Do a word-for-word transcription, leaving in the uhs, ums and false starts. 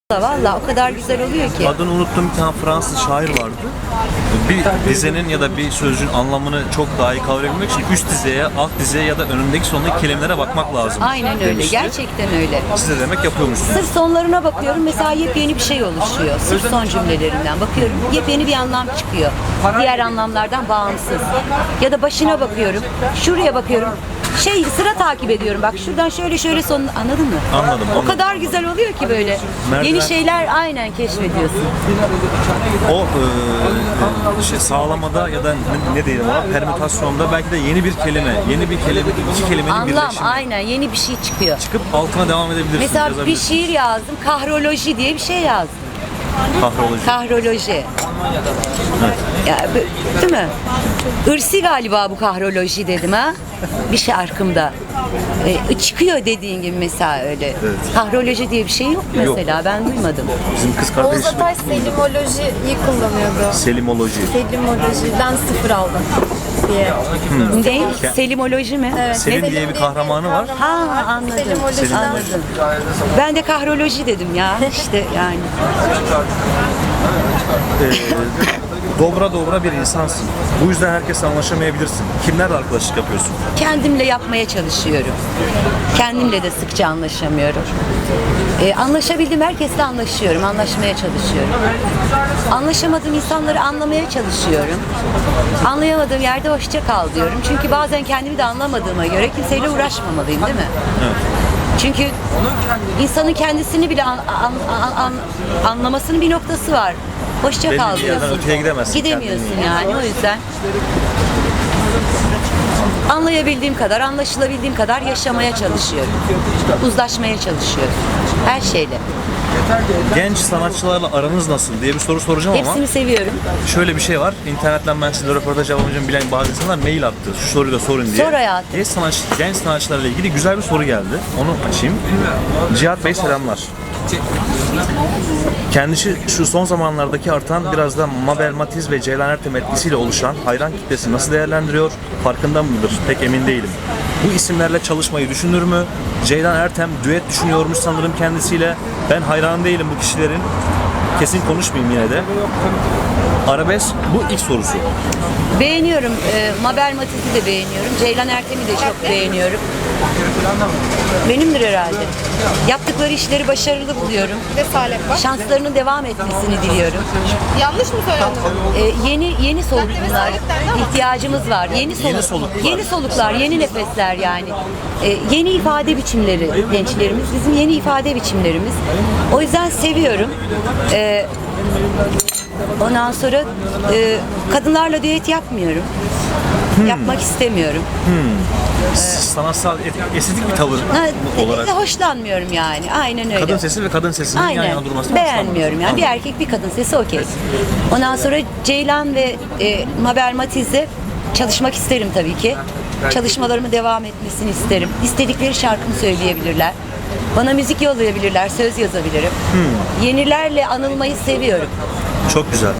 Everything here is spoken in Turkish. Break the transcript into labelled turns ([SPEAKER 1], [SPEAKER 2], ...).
[SPEAKER 1] Valla o kadar güzel oluyor ki.
[SPEAKER 2] Adını unuttuğum bir tane Fransız şair vardı. Bir dizenin ya da bir sözcüğün anlamını çok daha iyi kavrayabilmek için üst dizeye, alt dizeye ya da önündeki sondaki kelimelere bakmak lazım.
[SPEAKER 1] Aynen öyle.
[SPEAKER 2] demişti.
[SPEAKER 1] Gerçekten öyle.
[SPEAKER 2] Siz de demek yapıyormuşsunuz.
[SPEAKER 1] Sırf sonlarına bakıyorum. Mesela yepyeni bir şey oluşuyor. Sırf son cümlelerinden bakıyorum. Yepyeni bir anlam çıkıyor. Diğer anlamlardan bağımsız. Ya da başına bakıyorum. Şuraya bakıyorum. Şey sıra takip ediyorum. Bak şuradan şöyle şöyle son anladın mı?
[SPEAKER 2] Anladım,
[SPEAKER 1] O
[SPEAKER 2] anladım.
[SPEAKER 1] kadar güzel oluyor ki böyle.
[SPEAKER 2] Merdiven-
[SPEAKER 1] Yeni şeyler aynen keşfediyorsun.
[SPEAKER 2] O e, şey sağlamada ya da ne, ne diyelim ona permütasyonda belki de yeni bir kelime, yeni bir kelime, iki kelimenin
[SPEAKER 1] Anlam
[SPEAKER 2] birleşimi
[SPEAKER 1] aynen yeni bir şey çıkıyor.
[SPEAKER 2] çıkıp altına devam edebilirsiniz.
[SPEAKER 1] Mesela bir
[SPEAKER 2] yazabilirsiniz.
[SPEAKER 1] şiir yazdım. Kahroloji diye bir şey yazdım.
[SPEAKER 2] Kahroloji.
[SPEAKER 1] Kahroloji. Ya, b- değil mi? Irsi galiba bu kahroloji dedim ha. Bir şarkımda. E, çıkıyor dediğin gibi mesela öyle.
[SPEAKER 2] Evet.
[SPEAKER 1] Kahroloji diye bir şey yok mesela. Ben duymadım.
[SPEAKER 2] Bizim kız
[SPEAKER 3] Oğuz
[SPEAKER 2] kardeşim
[SPEAKER 3] Atay selimolojiyi kullanıyordu.
[SPEAKER 2] Selimoloji.
[SPEAKER 3] Selimolojiden sıfır aldım diye.
[SPEAKER 1] Ne? Selimoloji mi?
[SPEAKER 3] Evet,
[SPEAKER 2] Selim diye bir kahramanı var.
[SPEAKER 1] Ha anladım.
[SPEAKER 3] Selimolojiden
[SPEAKER 1] Anladım. Ben de kahroloji dedim ya. İşte yani.
[SPEAKER 2] Dobra dobra bir insansın. Bu yüzden herkesle anlaşamayabilirsin. Kimlerle arkadaşlık yapıyorsun?
[SPEAKER 1] Kendimle yapmaya çalışıyorum. Kendimle de sıkça anlaşamıyorum. Ee, anlaşabildiğim herkesle anlaşıyorum, anlaşmaya çalışıyorum. Anlaşamadığım insanları anlamaya çalışıyorum. Anlayamadığım yerde hoşça kal diyorum. Çünkü bazen kendimi de anlamadığıma göre kimseyle uğraşmamalıyım, değil mi?
[SPEAKER 2] Evet.
[SPEAKER 1] Çünkü insanın kendisini bile an- an- an- an- anlamasının bir noktası var. Hoşça
[SPEAKER 2] Belli
[SPEAKER 1] kal
[SPEAKER 2] bir yerden
[SPEAKER 1] diyorsun.
[SPEAKER 2] öteye gidemezsin
[SPEAKER 1] Gidemiyorsun
[SPEAKER 2] kendini.
[SPEAKER 1] yani o yüzden. Anlayabildiğim kadar, anlaşılabildiğim kadar yaşamaya çalışıyorum. Uzlaşmaya çalışıyorum. Her şeyle.
[SPEAKER 2] Genç sanatçılarla aranız nasıl diye bir soru soracağım ama
[SPEAKER 1] Hepsini seviyorum.
[SPEAKER 2] şöyle bir şey var. İnternetten ben size röportaj yapamayacağım bilen bazı insanlar mail attı. Şu soruyu da sorun diye.
[SPEAKER 1] Sor hayatım.
[SPEAKER 2] Genç, sanatçı, genç sanatçılarla ilgili güzel bir soru geldi. Onu açayım. Cihat Bey selamlar. Kendisi şu son zamanlardaki artan biraz da Mabel Matiz ve Ceylan Ertem etkisiyle oluşan hayran kitlesi nasıl değerlendiriyor? Farkında mıdır? Pek emin değilim. Bu isimlerle çalışmayı düşünür mü? Ceylan Ertem düet düşünüyormuş sanırım kendisiyle. Ben hayran değilim bu kişilerin. Kesin konuşmayayım yine de. Arabesk bu ilk sorusu.
[SPEAKER 1] Beğeniyorum. E, Mabel Matiz'i de beğeniyorum. Ceylan Ertem'i de çok beğeniyorum. Benimdir herhalde. Yaptıkları işleri başarılı buluyorum.
[SPEAKER 3] Bir de Salep var.
[SPEAKER 1] Şanslarının devam etmesini diliyorum.
[SPEAKER 3] Yanlış mı söyledim?
[SPEAKER 1] Ee, yeni yeni soluklar ihtiyacımız var. Yeni soluk,
[SPEAKER 2] Yeni soluklar.
[SPEAKER 1] yeni soluklar, yeni nefesler yani. Ee, yeni ifade biçimleri gençlerimiz, bizim yeni ifade biçimlerimiz. O yüzden seviyorum. Ee, ondan sonra e, kadınlarla düet yapmıyorum. Yapmak istemiyorum.
[SPEAKER 2] Sanatsal, et- estetik bir tavır
[SPEAKER 1] Ha,
[SPEAKER 2] olarak.
[SPEAKER 1] hoşlanmıyorum yani. Aynen öyle.
[SPEAKER 2] Kadın sesi ve kadın sesinin yan
[SPEAKER 1] Aynen.
[SPEAKER 2] yana durmasını
[SPEAKER 1] Beğenmiyorum yani. Bir erkek bir kadın sesi okey. Ondan sonra Ceylan ve e, Mabel Matiz'le çalışmak isterim tabii ki. Çalışmalarımı devam etmesini isterim. İstedikleri şarkımı söyleyebilirler. Bana müzik yollayabilirler, söz yazabilirim. Yenilerle anılmayı seviyorum.
[SPEAKER 2] Çok güzel.